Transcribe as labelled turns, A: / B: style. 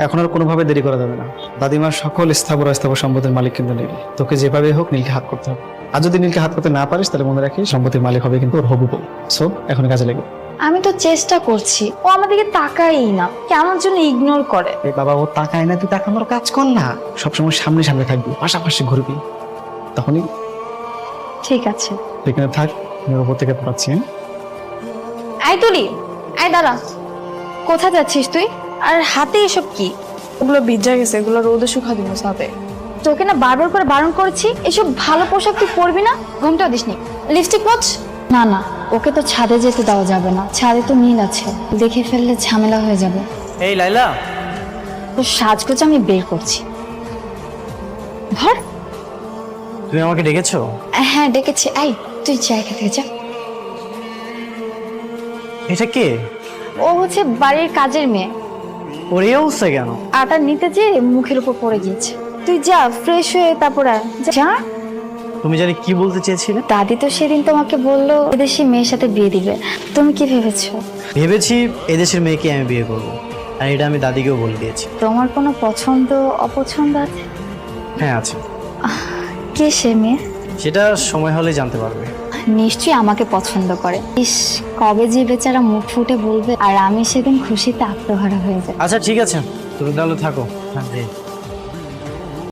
A: এখন আর কোনোভাবে দেরি করা যাবে না। দাদিমার সকল স্থাবর অস্থাবর সম্পত্তির মালিক কিন্তু নীল। তোকে যেভাবে হোক নীলকে হাত করতে হবে। আর যদি নীলকে হাত করতে না পারিস তাহলে মনে রাখিস সম্পত্তির মালিক হবে কিন্তু ওর হবু বউ। সো এখন কাজে লেগে।
B: আমি তো চেষ্টা করছি, ও আমাদেরকে তাকাই না, কেমন যেন ইগনোর করে।
A: এই বাবা ও তাকায় না, তুই তাকানোর কাজ কর না। সবসময় সামনে সামনে থাকবি, পাশাপাশি ঘুরবি, তখনই
B: ঠিক আছে।
A: এখানে থাক। আমি ওপর থেকে পাচ্ছি।
B: আই তুলি, আই দাঁড়া, কোথায় যাচ্ছিস তুই? আর হাতে এসব কি?
C: ওগুলো ভিজা গেছে, এগুলো রোদে শুকা দিব সাথে।
B: তোকে না বারবার করে বারণ করেছি, এসব ভালো পোশাক তুই পরবি না। ঘুমটাও দিসনি, লিপস্টিক মোচ। না না, ওকে তো ছাদে যেতে দেওয়া যাবে না, ছাদে তো নীল আছে, দেখে ফেললে ঝামেলা হয়ে যাবে।
D: এই লাইলা,
B: তো সাজগোজ আমি বের করছি। ধর।
D: তুমি আমাকে ডেকেছো?
B: হ্যাঁ ডেকেছি, আই তুই জায়গা থেকে যা।
D: এটা কে?
B: ও হচ্ছে বাড়ির কাজের মেয়ে।
D: ওর এই অবস্থা কেন?
B: আটা নিতে যে মুখের উপর পড়ে গিয়েছে। তুই যা ফ্রেশ হয়ে তারপর আয়। যা।
D: তুমি জানি কি বলতে চেয়েছিলে?
B: দাদি তো সেদিন তোমাকে বললো এদেশি মেয়ের সাথে বিয়ে দিবে, তুমি কি ভেবেছো?
D: ভেবেছি এদেশের মেয়েকে আমি বিয়ে করব, আর এটা আমি দাদিকেও বলে দিয়েছি।
B: তোমার কোনো পছন্দ অপছন্দ আছে?
D: হ্যাঁ আছে।
B: কে সে মেয়ে?
D: সেটা সময় হলে জানতে পারবে।
B: নিশ্চয়ই আমাকে পছন্দ করে। ইস, কবে যে বেচারা মুখ ফুটে বলবে, আর আমি সেদিন খুশিতে আত্মহারা হয়ে যাই।
D: আচ্ছা ঠিক আছে, তুমি তাহলে থাকো। হ্যাঁ